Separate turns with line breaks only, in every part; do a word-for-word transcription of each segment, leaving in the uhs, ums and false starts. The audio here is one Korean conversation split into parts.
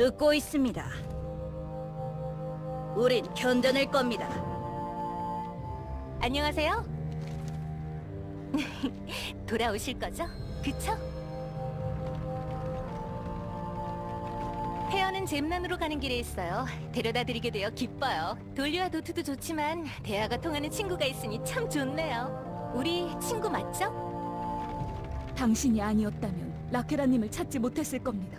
듣고 있습니다. 우린 견뎌낼 겁니다.
안녕하세요. 돌아오실 거죠? 그쵸? 페어는 잼난으로 가는 길에 있어요. 데려다 드리게 되어 기뻐요. 돌리와 도트도 좋지만 대화가 통하는 친구가 있으니 참 좋네요. 우리 친구 맞죠?
당신이 아니었다면 라케라님을 찾지 못했을 겁니다.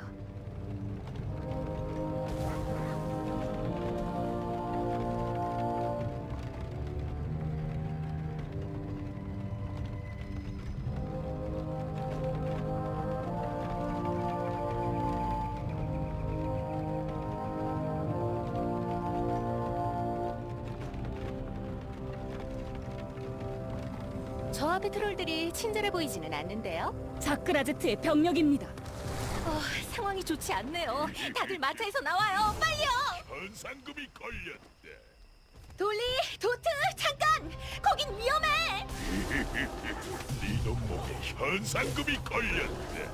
저 앞의 트롤들이 친절해 보이지는 않는데요.
자크라제트의 병력입니다.
어, 상황이 좋지 않네요. 다들 마차에서 나와요. 빨리요.
현상금이 걸렸대.
돌리, 도트, 잠깐! 거긴 위험해!
네 놈목에 현상금이 걸렸대.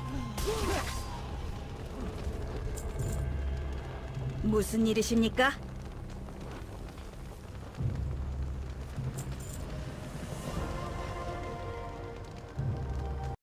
무슨 일이십니까?